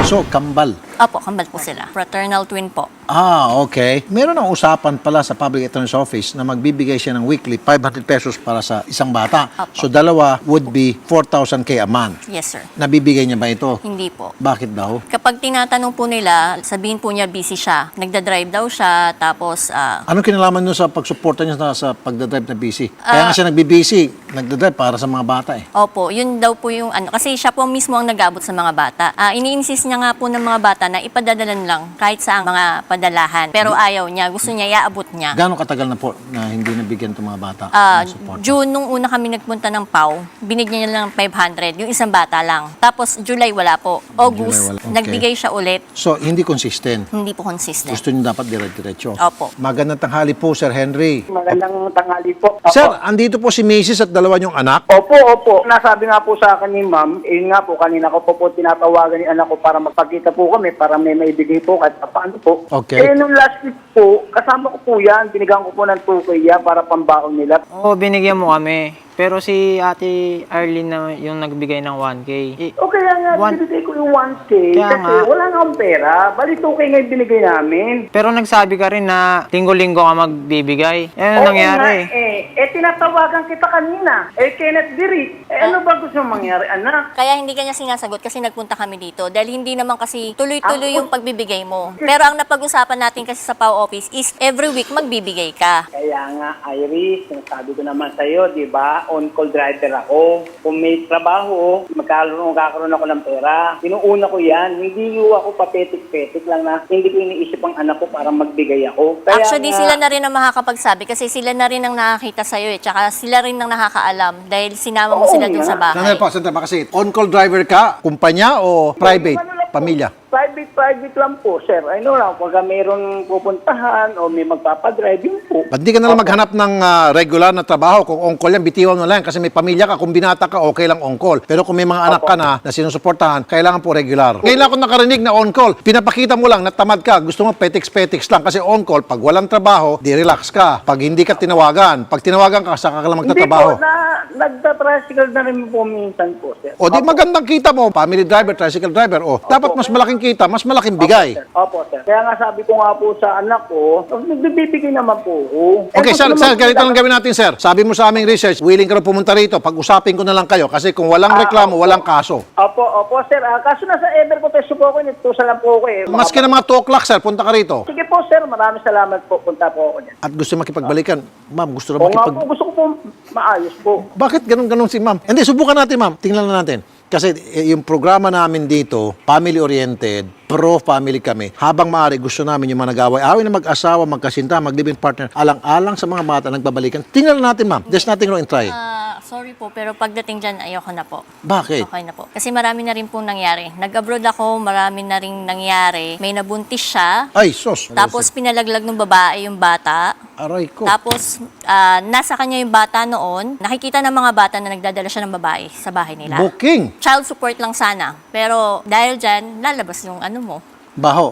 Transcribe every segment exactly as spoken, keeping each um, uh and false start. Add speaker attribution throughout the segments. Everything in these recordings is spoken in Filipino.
Speaker 1: So, kambal.
Speaker 2: Opo, kambal po sila. Fraternal twin po.
Speaker 1: Ah, okay. Meron ng usapan pala sa Public Attorney's Office na magbibigay siya ng weekly five hundred pesos para sa isang bata.
Speaker 2: Opo.
Speaker 1: So, dalawa would be four thousand k a month.
Speaker 2: Yes, sir.
Speaker 1: Nabibigay niya ba ito?
Speaker 2: Hindi po.
Speaker 1: Bakit daw?
Speaker 2: Kapag tinatanong po nila, sabihin po niya busy siya. Nagda-drive daw siya, tapos ah,
Speaker 1: Anong kinalaman nyo sa pagsuporta niya sa, sa pagdadrive na busy? Kaya
Speaker 2: Ah.
Speaker 1: nga siya nagbibisi, nagdadrive para sa mga bata eh.
Speaker 2: opo, yun daw po yung ano. Kasi siya po mismo ang nag-abot sa mga bata. Ah, ini-insist niya nga po ng mga bata na ipadadalan lang kahit sa mga padalahan. Pero ayaw niya. Gusto niya, iaabot niya.
Speaker 1: Gano'ng katagal na po na hindi nabigyan itong mga bata
Speaker 2: Ah,
Speaker 1: ng support?
Speaker 2: June, nung una kami nagpunta ng P A W, binigyan niya lang five hundred, yung isang bata lang. Tapos July wala po. August,
Speaker 1: July wala. Okay.
Speaker 2: nagbigay siya ulit.
Speaker 1: So, hindi consistent.
Speaker 2: Hindi po consistent.
Speaker 1: Gusto niyo dapat dire-diretso.
Speaker 2: Opo.
Speaker 1: Magandang tanghali po, Sir Henry.
Speaker 3: Magandang tanghali po. Opo.
Speaker 1: Sir, andito po si Missus at dalawa niyong anak.
Speaker 3: Opo, opo. Nasabi nga po sa akin ni ma'am, eh nga po, kanina ko po po tinatawagan ni anak ko para magpakita po kami, para may maibigay po kahit paano po.
Speaker 1: Okay.
Speaker 3: Eh, nung last week po, kasama ko po yan, binigyan ko po ng two K yan para pambaon nila.
Speaker 4: Oo, binigyan mo kami. Pero si Ate Arlene na yung nagbigay ng one K. Eh,
Speaker 3: O kaya nga,
Speaker 4: One-
Speaker 3: binigay ko yung one K
Speaker 4: Kaya
Speaker 3: kasi
Speaker 4: nga.
Speaker 3: wala nga akong pera. Bali, two K nga yung binigay namin.
Speaker 4: pero nagsabi ka rin na linggo-linggo ka magbibigay. Eh,
Speaker 3: Oo
Speaker 4: ano nangyari?
Speaker 3: nga, eh. Eh, tinatawagan kita kanina. Eh, Kenneth Dirit. Eh, ano ba gusto mong mangyari, anak?
Speaker 2: Kaya hindi kanya sinasagot kasi nagpunta kami dito. Dahil hindi naman kasi tuloy-tuloy
Speaker 3: Ako-
Speaker 2: yung pagbibigay mo. Pero ang napag-usapan natin kasi sa P A W office is every week magbibigay ka.
Speaker 3: Kaya nga, Iris, sabi ko naman sa'yo, di ba, on-call driver ako. Kung may trabaho, magkakaroon, magkakaroon ako ng pera. Pinuuna ko yan. Hindi ko ako papetik-petik lang na hindi ko iniisip ang anak ko para magbigay ako. Kaya
Speaker 2: Actually,
Speaker 3: nga,
Speaker 2: sila na rin ang makakapagsabi kasi sila na rin ang nakakita sa'yo eh. Tsaka sila rin ang nakakaalam dahil sinama mo
Speaker 3: Oo
Speaker 2: sila dun
Speaker 3: nga.
Speaker 2: sa bahay.
Speaker 1: Sandali po, sandali po kasi on-call driver ka, kumpanya o private,
Speaker 3: Ano lang po,
Speaker 1: pamilya?
Speaker 3: Private, private lang po, sir. Ano lang, pagka mayroong pupuntahan o may magpapadrive, yun po.
Speaker 1: Ba't di ka na lang maghanap ng ah, regular na trabaho? Kung on-call yan, bitiwan mo lang kasi may pamilya ka. Kung binata ka, okay lang on-call. Pero kung may mga anak ka na na sinusuportahan, kailangan po regular. Ngayon lang ako nakarinig na on-call. Pinapakita mo lang na tamad ka. Gusto mo petiks-petiks lang. Kasi on-call, pag walang trabaho, di relax ka. Pag hindi ka tinawagan, pag tinawagan ka, saka ka lang
Speaker 3: Hindi
Speaker 1: magtatrabaho.
Speaker 3: po, na, nagta-tricycle na rin po minsan po, sir.
Speaker 1: O di magandang kita mo, family driver, tricycle driver. O, dapat mas malaking kita, mas malaking bigay.
Speaker 3: Opo, sir. Kaya nga sabi ko nga po sa anak ko, nagbibigay naman po ako.
Speaker 1: Okay,
Speaker 3: Eh,
Speaker 1: sir,
Speaker 3: gusto
Speaker 1: sir,
Speaker 3: naman
Speaker 1: ganito
Speaker 3: po
Speaker 1: lang gawin natin, sir. Sabi mo sa aming research, willing ka na pumunta rito. Pag-usapin ko na lang kayo kasi kung walang
Speaker 3: Ah,
Speaker 1: reklamo,
Speaker 3: opo.
Speaker 1: walang kaso.
Speaker 3: Opo, opo, sir. Ah, kaso nasa Ever ko peso po ako, nagtusa lang po ako eh.
Speaker 1: Maski na mga two o'clock, sir, punta ka rito.
Speaker 3: Sige po, sir. Maraming salamat po. Punta po ako dyan.
Speaker 1: At gusto makipagbalikan. Ma'am, gusto na
Speaker 3: O nga
Speaker 1: makipag...
Speaker 3: po, gusto ko po maayos po.
Speaker 1: Bakit ganun-ganun si ma'am? Hindi, subukan natin, ma'am. Tingnan na natin. Kasi eh, yung programa namin dito, family-oriented, pro-family kami. Habang maaari, gusto namin yung mga nag-away-away na mag-asawa, magkasinta, mag-living partner, alang-alang sa mga bata nagbabalikan. Tingnan na natin, ma'am. There's nothing wrong in trying.
Speaker 2: Ah, sorry po, pero pagdating dyan, ayoko na po.
Speaker 1: Bakit?
Speaker 2: Okay na po. Kasi marami na rin pong nangyari. Nag-abroad ako, marami na rin nangyari. May nabuntis siya,
Speaker 1: Ay, sos.
Speaker 2: tapos pinalaglag ng babae yung bata.
Speaker 1: Aray ko.
Speaker 2: Tapos, ah, nasa kanya yung bata noon. Nakikita ng mga bata na nagdadala siya ng babae sa bahay nila.
Speaker 1: Booking.
Speaker 2: Child support lang sana. Pero dahil dyan, lalabas yung ano mo.
Speaker 1: Baho.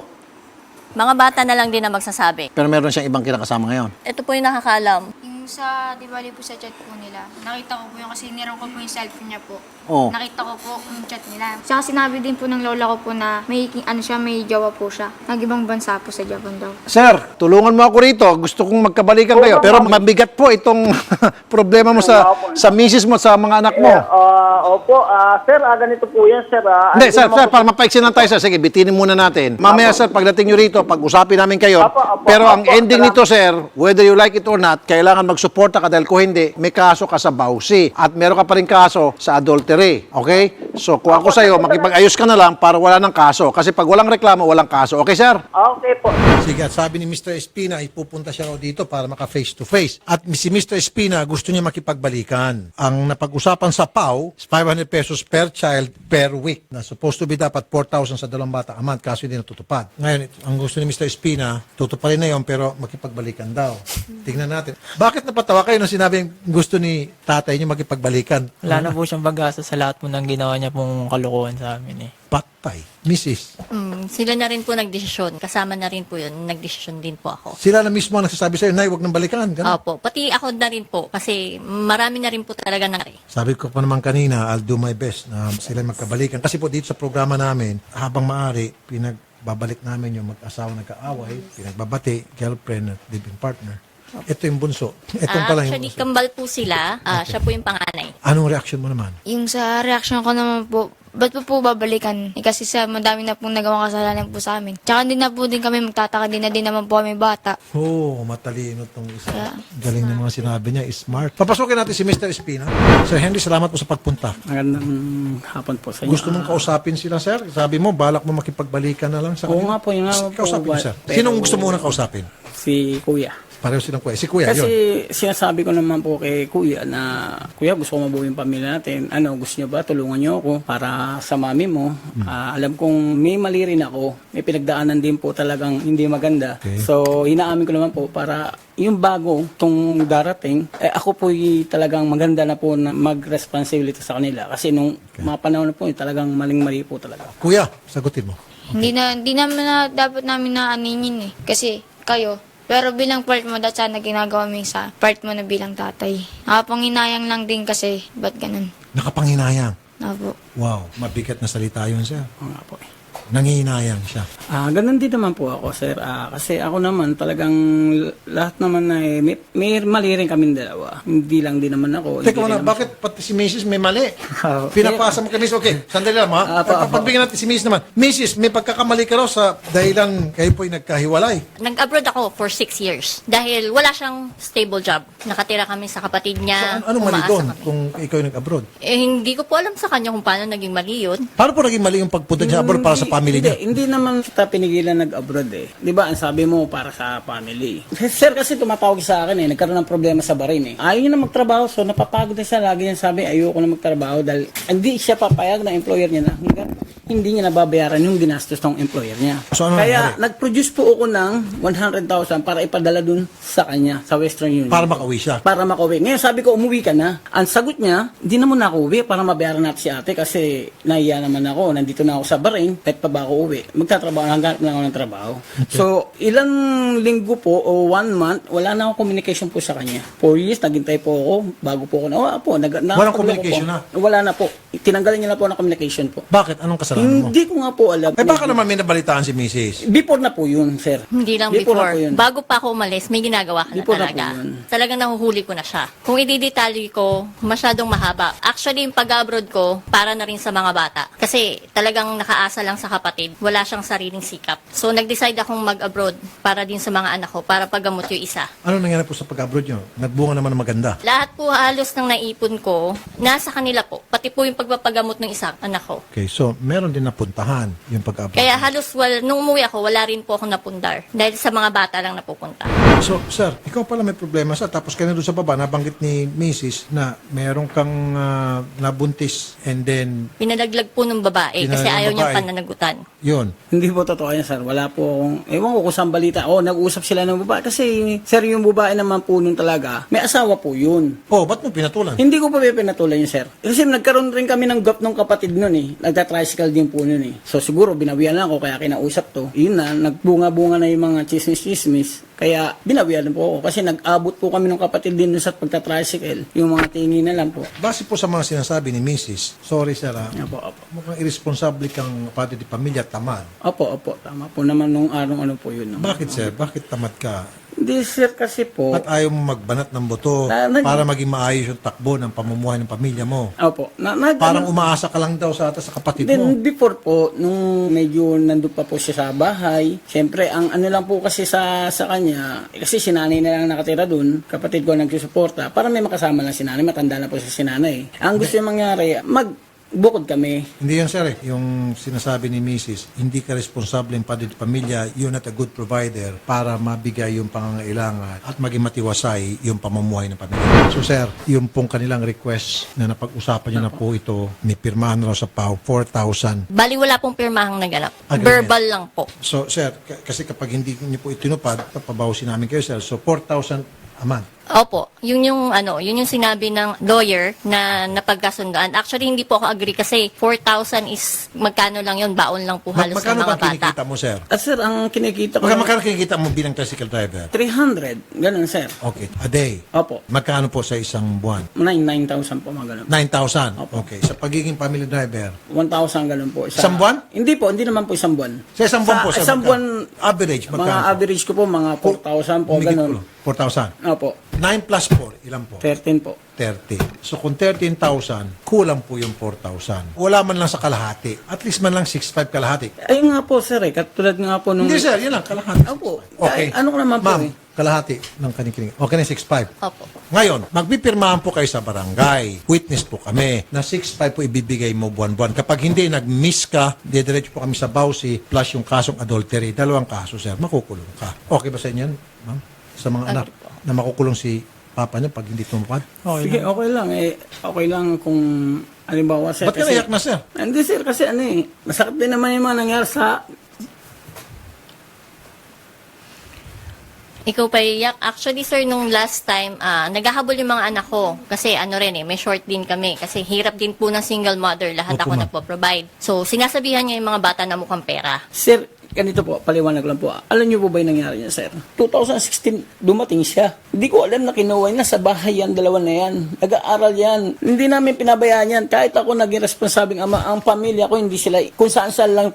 Speaker 2: Mga bata na lang din na magsasabi.
Speaker 1: Pero meron siyang ibang kinakasama ngayon.
Speaker 2: Ito po yung nakakaalam.
Speaker 5: Yung sa, di bali po sa chat po nila, nakita ko po yung kasi niram ko po yung cellphone niya po.
Speaker 1: Oo.
Speaker 5: Nakita ko po yung chat nila. Saka sinabi din po ng lola ko po na may, ano siya, may jowa po siya. Nag-ibang bansa po sa Japan daw.
Speaker 1: Sir, tulungan mo ako rito. Gusto kong magkabalikan kayo. Pero mabigat po itong problema mo sa sa misis mo, sa mga anak mo.
Speaker 3: Eh, ah, opo, ah, sir, ah, ganito po yan, sir. Ah,
Speaker 1: Hindi,
Speaker 3: Ano
Speaker 1: sir,
Speaker 3: naman
Speaker 1: sir,
Speaker 3: po-
Speaker 1: para mapaiksin lang tayo, sir. Sige, bitinin muna natin. Mamaya, sir, pagdating nyo rito, pag-usapin namin kayo.
Speaker 3: Apo, apo,
Speaker 1: Pero ang
Speaker 3: apo,
Speaker 1: ending
Speaker 3: salamat.
Speaker 1: nito, sir, whether you like it or not, kailangan magsuporta ka dahil kung hindi, may kaso ka sa bawsi. At meron ka pa rin kaso sa adultery. Okay? So, kung ako sa'yo, makipag-ayos ka na lang para wala ng kaso. Kasi pag walang reklamo, walang kaso. Okay, sir?
Speaker 3: Okay po.
Speaker 1: Sige, at sabi ni mister Espina, ipupunta siya raw dito para maka face to face. At si mister Espina gusto niya makipagbalikan. Ang napag-usapan sa P A W is five hundred pesos per child per week. Na supposed to be dapat four thousand sa dalawang bata a month kaso hindi natutupad. Ngayon, ang gusto ni mister Espina, tutuparin na yon pero makipagbalikan daw. Tingnan natin. Bakit napatawa kayo nung sinabing gusto ni tatay niyo makipagbalikan?
Speaker 4: Wala na po siyang bagastos sa lahat po ng ginawa niya pong kalukuhan sa amin eh.
Speaker 1: Patay. Missus,
Speaker 2: Mm, sila na rin po nagdesisyon. Kasama na rin po yun. Nagdesisyon din po ako.
Speaker 1: sila na mismo ang nagsasabi sa'yo, Nay, huwag nang balikan. Ganun.
Speaker 2: Opo. Pati ako na rin po. Kasi marami na rin po talaga nangyari.
Speaker 1: Sabi ko pa naman kanina, I'll do my best na sila magkabalikan. Kasi po dito sa programa namin, habang maaari, pinagbabalik namin yung mag-asawa nagkaaway, pinagbabati, girlfriend at living partner. Ito yung bunso. Itong
Speaker 2: Ah,
Speaker 1: pala yung
Speaker 2: actually,
Speaker 1: bunso.
Speaker 2: kambal po sila. Ah, Siya po yung panganay.
Speaker 1: Anong reaction mo naman?
Speaker 5: Yung sa reaction ko naman po, ba't po po babalikan? Eh, kasi sa madami na pong nagawang kasalanan po sa amin. Tsaka din na po din kami magtataka, din na din naman po kami bata.
Speaker 1: Oo, oh, matalino tong isa.
Speaker 5: Yeah.
Speaker 1: Galing ng mga sinabi niya, smart. Papasukin natin si Mister Espina. Sir Henry, salamat po sa pagpunta.
Speaker 6: Magandang hapon po sa inyo.
Speaker 1: Gusto mong kausapin sila, sir? Sabi mo, balak mo makipagbalikan na lang sa
Speaker 6: Oo
Speaker 1: kanila.
Speaker 6: nga po, yun nga po.
Speaker 1: Kausapin mo,
Speaker 6: But-
Speaker 1: sir.
Speaker 6: pero-
Speaker 1: Sinong gusto mo nang kausapin?
Speaker 6: Si Kuya.
Speaker 1: Pareho silang kuya. Si kuya,
Speaker 6: Kasi
Speaker 1: yun.
Speaker 6: sinasabi ko naman po kay Kuya na, Kuya, gusto ko mabuo yung pamilya natin. Ano, gusto niyo ba? Tulungan niyo ako para sa mami mo.
Speaker 1: Hmm.
Speaker 6: Ah, alam kong may mali rin ako. May pinagdaanan din po talagang hindi maganda.
Speaker 1: Okay.
Speaker 6: So, hinaamin ko naman po para yung bago, tong darating, eh, ako po talagang maganda na po na mag-responsibility sa kanila. Kasi nung mga panahon na po, eh, talagang maling-mali po talaga.
Speaker 1: Kuya, sagutin mo.
Speaker 5: Hindi na, hindi naman na, dapat namin na aninin eh. Kasi kayo, pero bilang part mo, dahil sana ginagawa mo yung sa part mo na bilang tatay. Nakapanginayang lang din kasi, ba't ganun?
Speaker 1: Nakapanginayang.
Speaker 5: Opo.
Speaker 1: Wow, mabigat na salita yun, sir.
Speaker 6: Oo nga po eh.
Speaker 1: Nangihinayang siya.
Speaker 6: Ah, ganun din naman po ako, sir. Ah, kasi ako naman talagang l- lahat naman na eh, may, may mali rin kaming dalawa. Hindi lang din naman ako.
Speaker 1: Teka
Speaker 6: hindi
Speaker 1: muna,
Speaker 6: rin naman-
Speaker 1: bakit pati si Missus may mali?
Speaker 6: Ah,
Speaker 1: Pinapasa mo kay Missus. Okay, sandali lang ha.
Speaker 6: Ah, pa- pa-
Speaker 1: Pagbigyan natin si Missus naman. Missus, may pagkakamali ka raw sa dahilan kayo po'y nagkahiwalay.
Speaker 2: Nag-abroad ako for six years. Dahil wala siyang stable job. Nakatira kami sa kapatid
Speaker 1: So,
Speaker 2: niya.
Speaker 1: an- anong mali
Speaker 2: umaasa
Speaker 1: doon
Speaker 2: kami.
Speaker 1: kung ikaw yung nag-abroad?
Speaker 2: Eh, hindi ko po alam sa kanya kung paano naging mali yun.
Speaker 1: Paano po naging mali yung pagpunta niya abroad para sa family
Speaker 6: hindi,
Speaker 1: niya?
Speaker 6: Hindi naman kita pinigilan nag-abroad eh. Di ba, ang sabi mo para sa family. Sir, kasi tumatawag sa akin eh, nagkaroon ng problema sa barin eh. Ayaw niya na magtrabaho, so napapagod na siya. Lagi niya sabi, ayoko na magtrabaho dahil hindi siya papayag ng employer niya na hanggang hindi niya nababayaran yung ginastos ng employer niya.
Speaker 1: So, ano
Speaker 6: Kaya
Speaker 1: nangyari?
Speaker 6: nag-produce po ako ng one hundred thousand para ipadala dun sa kanya, sa Western Union.
Speaker 1: Para makauwi siya.
Speaker 6: Para makauwi. Ngayon sabi ko, umuwi ka na. Ang sagot niya, hindi naman ako uwi para mabayaran natin si ate kasi nahiya naman ako. Nandito na ako sa Bahrain, kahit pa ba ako uwi. Magtatrabaho, hanggang lang ako ng trabaho. So, ilang linggo po o one month, wala na akong communication po sa kanya. Four years, naghintay po ako, bago po ako na, oh, po, nag,
Speaker 1: Walang communication
Speaker 6: po.
Speaker 1: na?
Speaker 6: Wala na po. Tinanggalan niya na po ng communication po.
Speaker 1: Bakit? Anong kasalanan mo?
Speaker 6: Hindi ko nga po alam.
Speaker 1: Eh baka naman may nabalitaan si Missus
Speaker 6: Before na po yun, sir.
Speaker 2: Hindi lang
Speaker 6: Before
Speaker 2: before.
Speaker 6: na po yun.
Speaker 2: Bago pa ako umalis, may ginagawa ka na
Speaker 6: Before na
Speaker 2: talaga.
Speaker 6: po yun.
Speaker 2: Talagang nahuhuli ko na siya. Kung ididetali ko, masyadong mahaba. Actually, yung pag-abroad ko, para na rin sa mga bata. Kasi talagang nakaasa lang sa kapatid. Wala siyang sariling sikap. So, nag-decide akong mag-abroad para din sa mga anak ko, para paggamot yung isa.
Speaker 1: Ano nangyari po sa pag-abroad nyo? Nagbunga naman ng maganda.
Speaker 2: Lahat po halos ng naipon ko, nasa kanila po. Pati po yung pagpapagamot ng isa, anak ko.
Speaker 1: Okay, so meron din napuntahan yung pag-abroad.
Speaker 2: Kaya halos, well, nung umuwi ako, wala rin po ako napundar. Dahil sa mga bata lang napupunta.
Speaker 1: So, sir, ikaw pala may problema sa tapos kaya doon sa baba, nabanggit ni Missus na meron kang ah, nabuntis and then,
Speaker 2: Pinalaglag po ng babae kasi
Speaker 1: Pinalaglag ng
Speaker 2: ayaw niyang
Speaker 1: babae.
Speaker 2: pananagutan.
Speaker 1: yun.
Speaker 6: Hindi po totoo yan, sir. Wala po akong, ewan ko kung saan balita. Oh, nag-usap sila ng babae. Kasi, sir, yung babae naman po nun talaga, may asawa po yun.
Speaker 1: Oh, ba't mo pinatulan?
Speaker 6: Hindi ko pa pinatulan yun, sir. Kasi nagkaroon rin kami ng gap ng kapatid nun eh. Nagta-tricycle din po nun eh. So, siguro, binawian lang ako, kaya kinausap to. Yun na, nagbunga-bunga na yung mga chismis-chismis. Kaya, binawian po ako. Kasi nag-abot po kami ng kapatid din dun sa pagta-tricycle. Yung mga tingi na lang po.
Speaker 1: Base po sa mga sinasabi ni Missus, sorry sir ah,
Speaker 6: Opo, opo.
Speaker 1: mukhang irresponsible kang padre di pamilya, tamad.
Speaker 6: Opo, opo. Tama po naman nung araw ano po yun. No?
Speaker 1: Bakit sir? Bakit tamad ka?
Speaker 6: Hindi, sir, kasi po.
Speaker 1: At ayaw mo magbanat ng buto
Speaker 6: Na- nag-
Speaker 1: para maging maayos yung takbo ng pamumuhay ng pamilya mo.
Speaker 6: Opo. Na, nag,
Speaker 1: Parang umaasa ka lang daw sa ata sa kapatid mo.
Speaker 6: Then before po, nung medyo nandun pa po siya sa bahay, syempre, ang ano lang po kasi sa sa kanya, eh, kasi si nanay na lang nakatira dun, kapatid ko nagsusuporta, para may makasama lang si nanay, matanda na po si nanay. Ang gusto yung mangyari, mag bukod kami.
Speaker 1: Hindi yan sir eh. Yung sinasabi ni Missus, hindi ka responsable ng padre di pamilya, you're not a good provider para mabigay yung pangangailangan at maging matiwasay yung pamumuhay ng pamilya. So sir, yung pong kanilang request na napag-usapan niyo na po ito, may pirmahan na raw sa P A O, four thousand.
Speaker 2: Bali, wala pong pirmahang naganap.
Speaker 1: Agreement.
Speaker 2: Verbal lang po.
Speaker 1: So sir, k- kasi kapag hindi niyo po itinupad, papabawasin namin kayo sir. So four thousand a month.
Speaker 2: Opo, yun yung ano, yun yung sinabi ng lawyer na napagkasundoan. Actually, hindi po ako agree kasi four thousand is magkano lang yun, baon lang po
Speaker 1: Mag-
Speaker 2: halos ng
Speaker 1: magkano
Speaker 2: mga
Speaker 1: ba
Speaker 2: bata.
Speaker 1: kinikita mo, sir?
Speaker 6: At sir, ang kinikita ko,
Speaker 1: Magkano, magkano kinikita mo bilang tricycle driver?
Speaker 6: three hundred, ganun sir.
Speaker 1: Okay, a day.
Speaker 6: Opo,
Speaker 1: Magkano po sa isang buwan?
Speaker 6: nine thousand po mga ganun.
Speaker 1: nine thousand. Okay, sa pagiging family driver.
Speaker 6: one thousand ganun po. Isa-
Speaker 1: Isang buwan?
Speaker 6: Hindi po, hindi naman po isang buwan.
Speaker 1: Sa isang buwan po, sir,
Speaker 6: isang
Speaker 1: magkano?
Speaker 6: buwan,
Speaker 1: Average,
Speaker 6: mga
Speaker 1: magkano po?
Speaker 6: average ko po, mga four thousand po,
Speaker 1: Humigit
Speaker 6: ganun.
Speaker 1: po, four thousand.
Speaker 6: Opo,
Speaker 1: nine plus four, ilan po?
Speaker 6: thirteen po.
Speaker 1: thirty. So kung thirteen thousand, kulang po yung four thousand. Wala man lang sa kalahati. At least man lang six five kalahati.
Speaker 6: Ayun nga po sir eh, katulad nga po nung...
Speaker 1: Hindi sir, yun lang, kalahati.
Speaker 6: Opo.
Speaker 1: Okay.
Speaker 6: Ay, ano ko naman po
Speaker 1: Ma'am,
Speaker 6: eh.
Speaker 1: kalahati ng kanikiling. Okay na six five.
Speaker 2: Opo.
Speaker 1: Ngayon, magpipirmahan po kayo sa barangay. Witness po kami na six five po ibibigay mo buwan-buwan. Kapag hindi, nag-miss ka, didiretso po kami sa bawsi plus yung kasong adultery. Dalawang kaso, sir. Makukulong ka. Okay ba sa inyo, yan, ma'am? Sa mga anak
Speaker 2: po.
Speaker 1: na makukulong si papa niya pag hindi tumupad?
Speaker 6: Sige, okay lang eh. Okay lang kung halimbawa sir.
Speaker 1: Ba't ka naiyak na, sir?
Speaker 6: Hindi sir, kasi ano eh, masakit din naman yung mga nangyari sa...
Speaker 2: Ikaw pa iyak. Actually, sir, nung last time, ah, naghahabol yung mga anak ko. Kasi ano rin eh, may short din kami. Kasi hirap din po ng single mother. Lahat
Speaker 1: Opo,
Speaker 2: ako
Speaker 1: ma'am.
Speaker 2: nagpo-provide. So, sinasabihan niya yung mga bata na mukhang pera.
Speaker 6: Sir, ganito po, paliwanag lang po. Alam niyo po ba yung nangyari niya, sir? twenty sixteen, dumating siya. Hindi ko alam na kinuha niya sa bahay yan, dalawa na yan. Nag-aaral yan. Hindi namin pinabayaan yan. Kahit ako naging responsabing ama, ang pamilya ko, hindi sila, kung saan-saan lang.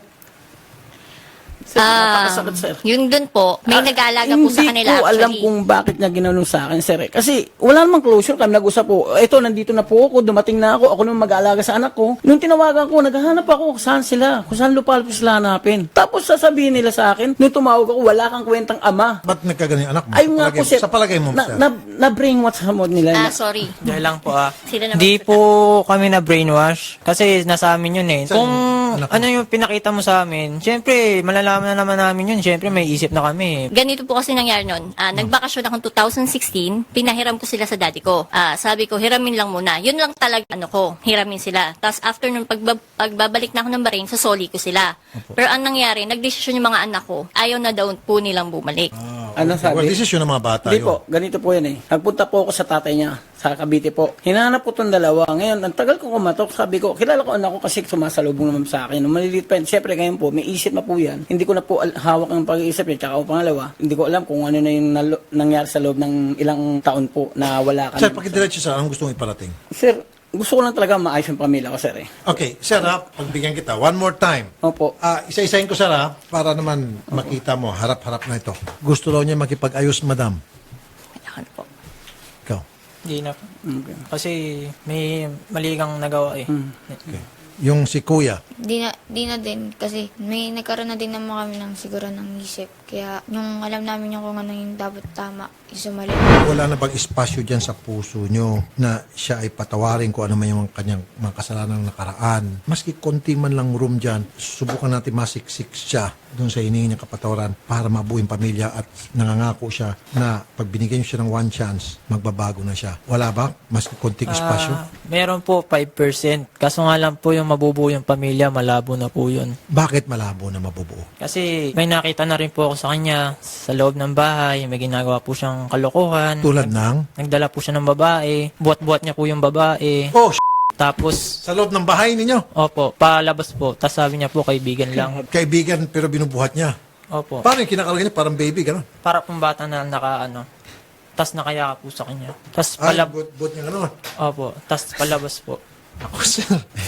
Speaker 6: Sir,
Speaker 2: Ah,
Speaker 6: napakasakit, sir.
Speaker 2: yun dun po, may
Speaker 6: Ah,
Speaker 2: nag-aalaga po sa kanila
Speaker 6: Hindi ko alam
Speaker 2: actually.
Speaker 6: kung bakit niya ginanong sa akin, sir. eh. Kasi wala namang closure kami nag-usap po. Ito, nandito na po ako, dumating na ako, ako nung mag-aalaga sa anak ko. Nung tinawagan ko, naghahanap ako kung saan sila, kung saan lupal po sila hanapin. Tapos sasabihin nila sa akin, nung tumawag ako, wala kang kwentang ama.
Speaker 1: Ba't nagkaganon yung anak mo?
Speaker 6: Ay
Speaker 1: Sa
Speaker 6: nga
Speaker 1: palagay
Speaker 6: po,
Speaker 1: mo-
Speaker 6: sir.
Speaker 1: Sa palagay mo,
Speaker 6: na,
Speaker 1: sir?
Speaker 6: na, na brainwash sa mod nila.
Speaker 2: Ah,
Speaker 6: na-
Speaker 2: sorry.
Speaker 4: Dahil lang po ah.
Speaker 2: Sila naman
Speaker 4: Di
Speaker 2: magsalita.
Speaker 4: po kami na brainwash. Kasi nasa amin yun eh.
Speaker 1: Saan
Speaker 4: Kung
Speaker 1: yung anak mo?
Speaker 4: ano yung pinakita mo sa amin, syempre, malalaman na naman namin yun. Syempre, may isip na kami.
Speaker 2: Ganito po kasi nangyari nun. Ah, nagbakasyon akong two thousand sixteen, pinahiram ko sila sa daddy ko. Ah, sabi ko, hiramin lang muna. Yun lang talaga ano ko, hiramin sila. Tapos after nung pagbab- pagbabalik na ako ng Bahrain, sasoli ko sila. Pero ang nangyari, nagdesisyon yung mga anak ko, ayaw na daw po nilang bumalik.
Speaker 6: Ano sabi?
Speaker 1: Well, desisyon ng mga bata
Speaker 6: Hindi
Speaker 1: yun.
Speaker 6: po, ganito po yan eh. Nagpunta po ako sa tatay niya, sa Cavite po. Hinanap po itong dalawa. Ngayon, ang tagal ko kumatok, sabi ko, kilala ko anak ko kasi sumasalubong naman sa akin. Nung maliliit pa yun, siyempre ngayon po, may isip na po yan. Hindi ko na po al- hawak ang pag-iisip niya. Tsaka po pangalawa, hindi ko alam kung ano na yung nalo- nangyari sa loob ng ilang taon po na wala ka
Speaker 1: Sir,
Speaker 6: na.
Speaker 1: pakidiretso sir, anong gusto mong iparating?
Speaker 6: Sir, gusto ko lang talaga maayos yung pamilya ko, sir eh.
Speaker 1: Okay, sir ha, pagbigyan kita. One more time.
Speaker 6: Opo.
Speaker 1: Ah, isa-isahin ko sir ha, para naman makita mo, harap-harap na ito. Gusto raw niya makipag-ayos, madam.
Speaker 2: Ayan po.
Speaker 1: Ikaw.
Speaker 4: Hindi na po.
Speaker 6: Okay.
Speaker 4: Kasi may mali kang nagawa eh.
Speaker 1: Okay. Yung si kuya.
Speaker 5: Di na, di na din kasi may nagkaroon na din naman kami ng siguro ng isip. Kaya yung alam namin yung kung ano yung dapat tama, isumali.
Speaker 1: Wala na bang espasyo dyan sa puso nyo na siya ay patawarin kung ano man yung kanyang mga kasalanan ng nakaraan. Maski konti man lang room dyan, subukan natin masiksik siya doon sa hinihingi niyang kapatawaran para mabuo yung pamilya at nangangako siya na pag binigyan niyo siya ng one chance, magbabago na siya. Wala ba? Maski konting espasyo?
Speaker 4: Ah, meron po five percent. Kaso nga lang po yung mabubuo yung pamilya, malabo na po yun.
Speaker 1: Bakit malabo na mabubuo?
Speaker 4: Kasi may nakita na rin po ako sa kanya sa loob ng bahay, may ginagawa po siyang kalokohan.
Speaker 1: Tulad ng,
Speaker 4: Nagdala po siya ng babae, buhat-buhat niya po yung babae.
Speaker 1: oh, sh-
Speaker 4: Tapos,
Speaker 1: sa loob ng bahay ninyo.
Speaker 4: opo, palabas po. Tapos sabi niya po, kaibigan lang.
Speaker 1: Kaibigan pero binubuhat niya.
Speaker 4: Opo.
Speaker 1: Paano yung kinakalagay niya? Parang baby, gano'n.
Speaker 4: Para pong bata na naka ano. Tapos nakayaka po sa kanya. Tapos
Speaker 1: Ay,
Speaker 4: palab...
Speaker 1: buhat, buhat niya gano'n.
Speaker 4: Opo. Tapos palabas po.
Speaker 1: Ako, sir.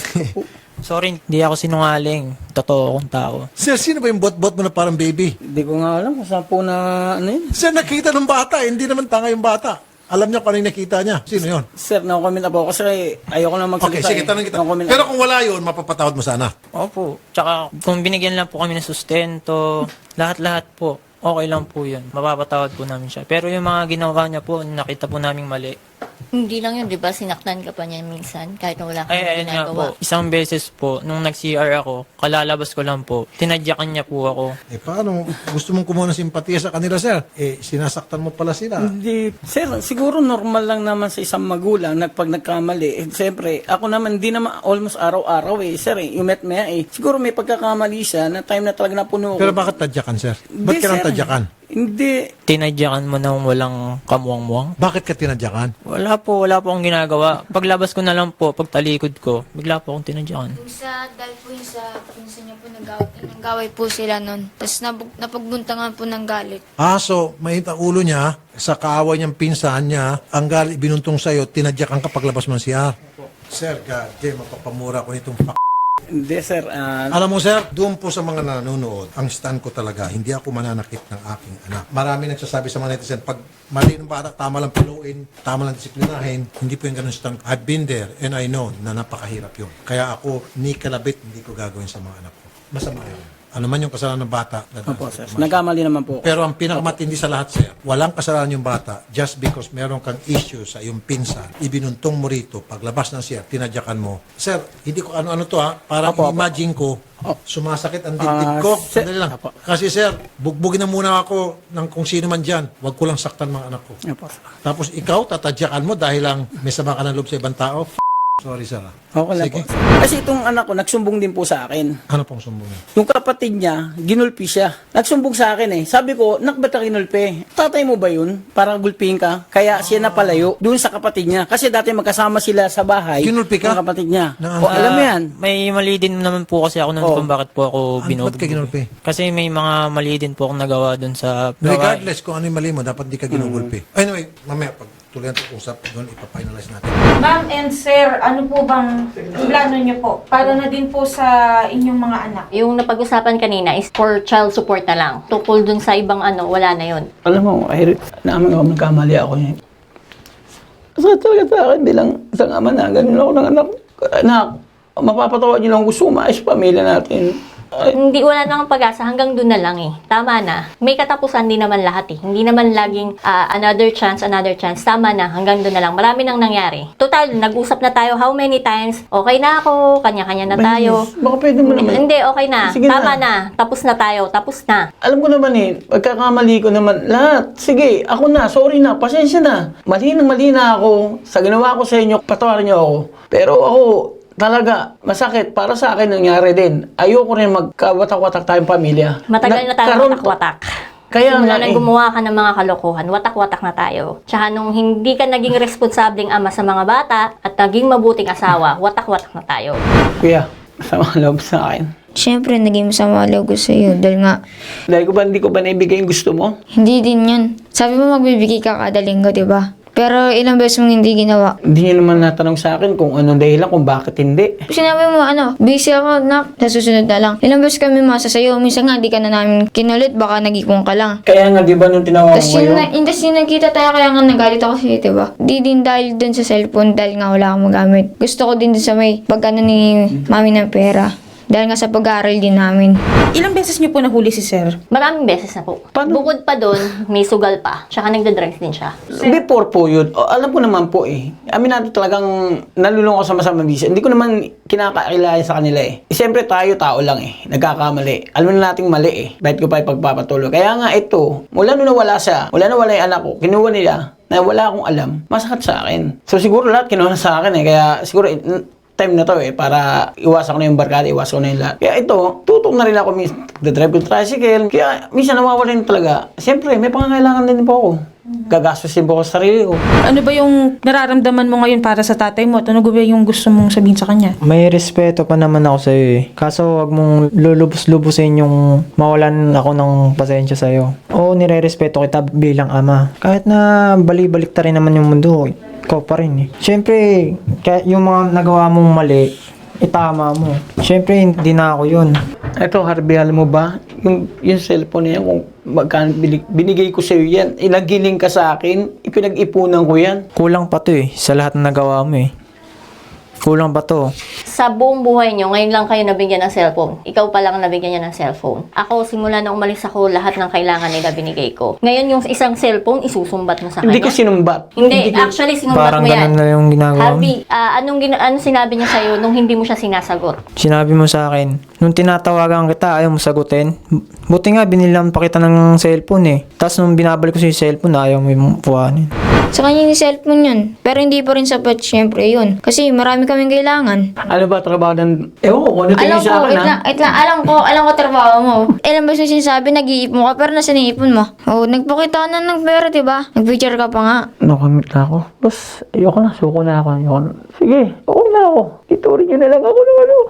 Speaker 4: Sorry, hindi ako sinungaling. Totoo akong tao.
Speaker 1: Sir, sino ba yung buhat-buhat mo na parang baby?
Speaker 6: Hindi ko nga alam kung saan po na ano yun.
Speaker 1: Sir, nakita ng bata. Hindi naman tanga yung bata. Alam niya kung ano yung nakita niya. Sino yun?
Speaker 6: Sir, no-comment na po ako kasi ayoko na magsalita.
Speaker 1: Okay, sige,
Speaker 6: eh.
Speaker 1: tanong kita.
Speaker 6: No-comment
Speaker 1: Pero
Speaker 6: na.
Speaker 1: kung wala yun, mapapatawad mo sana.
Speaker 4: Opo. Tsaka kung binigyan lang po kami ng sustento, lahat-lahat po, okay lang po yun. Mapapatawad po namin siya. Pero yung mga ginawa niya po, nakita po naming mali.
Speaker 2: Hindi lang yun, di ba? Sinaktan ka pa niya minsan kahit na wala kang
Speaker 4: Ay, ayun nga po.
Speaker 2: ginagawa.
Speaker 4: Isang beses po, nung nag-C R ako, kalalabas ko lang po, tinadyakan niya po ako.
Speaker 1: Eh, paano? Gusto mong kumuha ng simpatiya sa kanila, sir? Eh, sinasaktan mo pala sila.
Speaker 6: Hindi. Sir, siguro normal lang naman sa isang magulang na pag nagkamali. Eh, siyempre, ako naman, hindi naman almost araw-araw eh. Sir, eh, yung met maya eh. Siguro may pagkakamali siya na time na talaga napuno ko.
Speaker 1: Pero bakit tadyakan, sir? Ba't
Speaker 6: Hindi,
Speaker 1: ka nang
Speaker 6: sir.
Speaker 1: tadyakan?
Speaker 6: Hindi.
Speaker 4: Tinadyakan mo nang walang kamuwang-muwang?
Speaker 1: Bakit ka tinadyakan?
Speaker 4: Wala po, wala po akong ginagawa. Paglabas ko na lang po, pagtalikod ko, bigla po akong tinadyakan.
Speaker 5: Yung sa, dahil po yung sa pinsan niya po, nag-away, nag-away po sila nun. Tapos napag, napagbuntangan po ng galit.
Speaker 1: Ah, so, mainit ang ulo niya, sa kaaway niyang pinsan niya, ang galit binuntong sa'yo, tinadyakan ka paglabas mo ng C R. Sir, God, Jay, mapapamura ko nitong f***.
Speaker 6: Hindi, sir. ah,
Speaker 1: Alam mo, sir, doon po sa mga nanonood, ang stand ko talaga, hindi ako mananakit ng aking anak. Marami nagsasabi sa mga netizen, pag mali ng bata, tama lang paluin, tama lang disiplinahin, hindi po yung ganun stand ko. I've been there and I know na napakahirap yun. Kaya ako, ni kalabit, hindi ko gagawin sa mga anak ko. Masama yun. Ano man yung kasalanan ng bata.
Speaker 6: Opo, sir. Nagkamali naman po.
Speaker 1: Pero ang pinakamatindi sa lahat, sir, walang kasalanan yung bata just because meron kang issue sa iyong pinsan, ibinuntong mo rito, paglabas ng siya, tinadyakan mo. Sir, hindi ko ano-ano to ha, para
Speaker 6: Opo, opo.
Speaker 1: imagine ko, sumasakit ang dibdib
Speaker 6: Ah,
Speaker 1: ko.
Speaker 6: sir-
Speaker 1: Sandali lang.
Speaker 6: Opo.
Speaker 1: Kasi sir, bugbugin na muna ako ng kung sino man dyan. Huwag ko lang saktan mga anak ko.
Speaker 6: Opo, sir.
Speaker 1: Tapos ikaw, tatadyakan mo dahil lang may sama ka ng loob sa ibang tao. F- Sorry, sir. ah.
Speaker 6: Okay lang
Speaker 1: Sige.
Speaker 6: po. Kasi itong anak ko, nagsumbong din po sa akin.
Speaker 1: Ano pong sumbong?
Speaker 6: Yung kapatid niya, ginulpi siya. Nagsumbong sa akin eh. Sabi ko, nak, ba't ka ginulpi? Tatay mo ba yun? Para gulpihin ka? Kaya siya napalayo doon sa kapatid niya. Kasi dati magkasama sila sa bahay.
Speaker 1: Ginulpi ka?
Speaker 6: Ng kapatid niya.
Speaker 1: Na-
Speaker 6: O, alam mo yan.
Speaker 4: May mali din naman po kasi ako nun
Speaker 6: Oh.
Speaker 4: kung bakit po ako
Speaker 1: Ano,
Speaker 4: binubugbog.
Speaker 1: ba't ka ginulpi?
Speaker 4: Kasi may mga mali din po akong nagawa dun sa gawain.
Speaker 1: Regardless kung ano yung mali mo, dapat di ka ginugulpi. Anyway, mamaya, pag tuloy ang usap, doon ipafinalize natin.
Speaker 7: Ma'am and sir, ano po bang plano niyo po? Para na din po sa inyong mga anak.
Speaker 2: Yung napag-usapan kanina is for child support na lang. Tukol dun sa ibang ano, wala na yun.
Speaker 6: Alam mo, ay, naaman ako, nagkamali ako eh. Sa talaga sa akin bilang isang ama na, ganun ako ng anak. Anak, mapapatawa niyo lang gusto umayos sa pamilya natin. Ay,
Speaker 2: Hindi, wala nang pag-asa. Hanggang doon na lang eh. Tama na. May katapusan din naman lahat eh. Hindi naman laging ah, another chance, another chance. Tama na. Hanggang doon na lang. Marami nang nangyari. Total, nag-usap na tayo how many times. Okay na ako. Kanya-kanya na tayo.
Speaker 6: baka pwede mo naman.
Speaker 2: Hindi, okay na.
Speaker 6: Sige
Speaker 2: Tama
Speaker 6: na.
Speaker 2: na. Tapos na tayo. Tapos na.
Speaker 6: Alam ko naman eh, pagkakamali ko naman, lahat. Sige, ako na, sorry na, pasensya na. Mali nang mali na ako. Sa ginawa ko sa inyo, patawarin niyo ako. Pero ako, talaga, masakit. Para sa akin nangyari din. Ayoko rin magkawatak-watak tayong pamilya.
Speaker 2: Matagal na tayo
Speaker 6: Nagkaroon-
Speaker 2: watak-watak.
Speaker 6: Kaya
Speaker 2: Simula
Speaker 6: nga
Speaker 2: nang
Speaker 6: eh.
Speaker 2: gumawa ka ng mga kalokohan, watak-watak na tayo. Tsaka nung hindi ka naging responsableng ama sa mga bata at naging mabuting asawa, watak-watak na tayo.
Speaker 6: Kuya, masama loob sa akin.
Speaker 5: Siyempre, naging masama loob ko sa iyo dahil nga,
Speaker 6: Dahil ko ba, hindi ko ba naibigay yung gusto mo?
Speaker 5: hindi din yun. Sabi mo magbibigay ka kada linggo, di ba? Pero ilang beses mong hindi ginawa.
Speaker 6: Hindi niyo naman natanong sa akin kung anong dahilan, kung bakit hindi.
Speaker 5: Sinabi mo, ano, busy ako, nak, sa susunod na lang. Ilang beses kami masa sa'yo, minsan nga, di ka na namin kinulit, baka nag-ipon ka lang.
Speaker 6: Kaya nga, di ba, nung tinawag
Speaker 5: Tapos
Speaker 6: ko
Speaker 5: yun,
Speaker 6: ngayon,
Speaker 5: na, yung, tas yung nagkita tayo, kaya nga nagalit ako sa'yo, diba? Di din dahil dun sa cellphone, dahil nga wala akong magamit. Gusto ko din dun sa may pag ano ni mami ng pera. Dahil nga sa pag-aaral din namin.
Speaker 7: Ilang beses niyo po nahuli si sir?
Speaker 2: Maraming beses na po.
Speaker 6: Paano?
Speaker 2: Bukod pa doon, may sugal pa. Tsaka nagda-drugs din siya.
Speaker 6: before po yun, o, alam ko naman po eh. Amin natin talagang nalulung ako sa masamang bisyo. Hindi ko naman kinakailangan sa kanila eh. eh. Siyempre tayo, tao lang eh. Nagkakamali. Alam na nating mali eh. Bakit ko pa ipagpapatuloy? Kaya nga ito, mula nung nawala siya, mula nawala yung anak ko, kinuha nila na wala akong alam, masakit sa akin. So siguro lahat kinuha na sa akin eh. Kaya siguro eh, time na to eh, para iwasan ko na yung barkada, iwasan ko na yung lahat. Kaya ito, tutok na rin ako minsan, nagdadrive yung tricycle. Kaya minsan nawawala rin talaga. Siyempre, may pangangailangan din po ako. Gagastusin po ako sa sarili ko.
Speaker 7: Ano ba yung nararamdaman mo ngayon para sa tatay mo? At ano ba yung gusto mong sabihin sa kanya?
Speaker 4: May respeto pa naman ako sa'yo eh. Kaso wag mong lulubos-lubusin yung mawalan ako ng pasensya sa'yo. Oo, nire-respeto kita bilang ama. Kahit na bali-balik ta rin naman yung mundo, ikaw pa rin eh. Siyempre, kahit yung mga nagawa mong mali, itama mo. Siyempre, hindi na ako yun.
Speaker 6: Ito, Harvey, alam mo ba? Yung, yung cellphone na yan, kung magkano binig- binigay ko sa'yo yan, ilagiling ka sa akin, ipinag-ipunan ko yan.
Speaker 4: Kulang pa to eh, sa lahat ng nagawa mo eh. Kulang ba to?
Speaker 2: Sa buong buhay nyo, ngayon lang kayo nabigyan ng cellphone. Ikaw pa lang nabigyan niya ng cellphone. Ako, simula na umalis ako, lahat ng kailangan nila binigay ko. Ngayon, yung isang cellphone, isusumbat mo sa kanya.
Speaker 6: Hindi ko sinumbat.
Speaker 2: Hindi,
Speaker 6: ko-
Speaker 2: actually, sinumbat
Speaker 4: Parang
Speaker 2: mo yan.
Speaker 4: ganun na yung ginagawa mo.
Speaker 2: Harvey, ah, anong, gina- anong sinabi niya sa'yo nung hindi mo siya sinasagot?
Speaker 4: Sinabi mo sa akin, nung tinatawagan kita, ayaw mo sagutin. Buti nga, binilang pa kita ng cellphone eh. Tapos nung binabalik ko sa cellphone, ayaw mo yung puhanin.
Speaker 5: Sa kanya yung cellphone yun. Pero hindi pa rin sapat, syempre, yun. Kasi marami kaming kailangan.
Speaker 6: Ano ba trabaho ng... Ewan ko, kung ano
Speaker 5: Alam
Speaker 6: tingin
Speaker 5: ko,
Speaker 6: sa akin,
Speaker 5: wait
Speaker 6: ha?
Speaker 5: lang, wait lang, alam ko, alam ko trabaho mo. Ilang beses yung sinasabi, nag-iipon ka, pero nasa niipon mo. Oo, nagpakita ka na ng pera, diba? Nag-picture ka pa nga.
Speaker 6: Nakamit na ako. Boss, ayoko na. Suko na ako. Ayoko na. Sige, okay na ako. Iturin nyo na lang ako ng ano.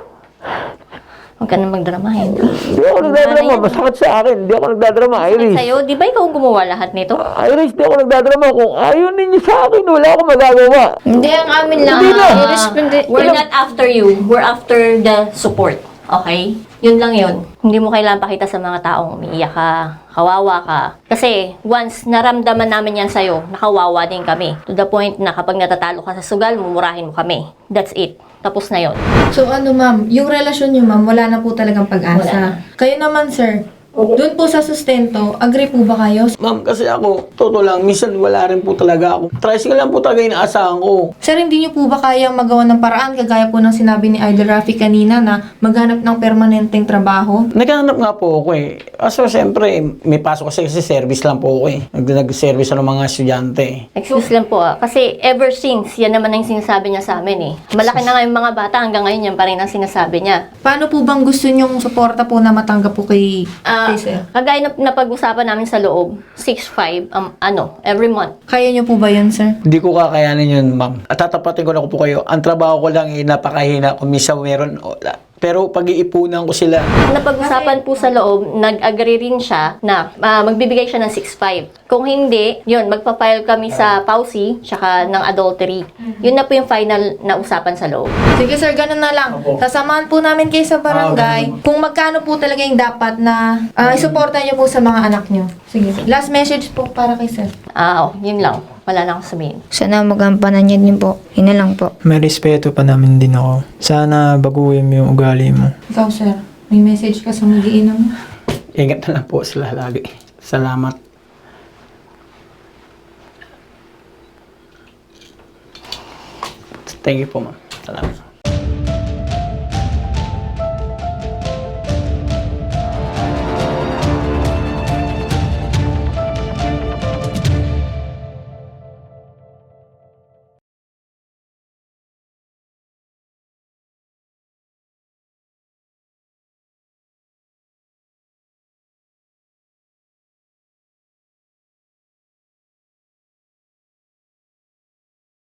Speaker 2: Huwag ka na magdramahin.
Speaker 6: Hindi ako nagdadrama. Masakit sa akin. Hindi ako nagdadrama, Iris.
Speaker 2: Sa'yo, di ba ikaw ang gumawa lahat nito?
Speaker 6: Iris, hindi ako nagdadrama. Kung ayaw ninyo sa akin, wala akong magagawa.
Speaker 5: Hindi, ang amin lang.
Speaker 6: Hindi na.
Speaker 5: I-responde-
Speaker 2: We're not after you. We're after the support. Okay? Yun lang yun. Hindi mo kailangan pakita sa mga taong umiiyak ka, kawawa ka. Kasi once naramdaman namin yan sa'yo, nakawawa din kami. To the point na kapag natatalo ka sa sugal, mumurahin mo kami. That's it. Tapos na yun.
Speaker 7: So ano ma'am, yung relasyon niyo ma'am, wala na po talagang pag-asa.
Speaker 2: Wala
Speaker 7: Kayo naman sir, doon po sa sustento, agree po ba kayo?
Speaker 6: Ma'am, kasi ako, totoo lang, minsan wala rin po talaga ako. Tricycle lang po talaga inaasahan ko.
Speaker 7: Sir, hindi niyo po ba kayang magawa ng paraan kagaya po ng sinabi ni Idol Rafi kanina na maghanap ng permanenteng trabaho?
Speaker 6: Naghahanap nga po ako eh. Kaso siyempre, may pasok kasi kasi service lang po ako eh. Nag- Nag-service ng mga estudyante.
Speaker 2: Excuse lang po ah. Kasi ever since, yan naman ang sinasabi niya sa amin eh. Malaki na nga yung mga bata, hanggang ngayon yan pa rin ang sinasabi niya.
Speaker 7: Paano po bang gusto niyong suporta po na matanggap po kay,
Speaker 2: Ah,
Speaker 7: kay sir?
Speaker 2: kagaya na napag-usapan namin sa loob, six five um, ano, every month.
Speaker 7: Kaya niyo po ba yun sir?
Speaker 6: Hindi ko kakayanin yun, ma'am. At tatapatin ko na po kayo. Ang trabaho ko lang eh, napakahina. Kung minsan meron, wala. Pero pag-iipunan ko sila.
Speaker 2: Napag-usapan po sa loob, nag-agree rin siya na ah, magbibigay siya ng six five. Kung hindi, yun, magpa-file kami sa P A U S I, tsaka ng adultery. Yun na po yung final na usapan sa loob.
Speaker 7: Sige sir, ganun na lang. Sasamahan po namin kayo sa barangay kung magkano po talaga yung dapat na uh, isuporta niyo po sa mga anak niyo. Sige. Last message po para kay sir.
Speaker 2: Ah, oh, yun lang. Wala na akong sabihin.
Speaker 5: Sana magampanan niya din po. Yun na lang po.
Speaker 4: May respeto pa namin din ako. Sana baguhin mo yung ugali mo.
Speaker 7: Ikaw sir, may message ka sa magiinom mo?
Speaker 6: Ingat na lang po sila lagi. Salamat. Thank you po, ma'am. Salamat.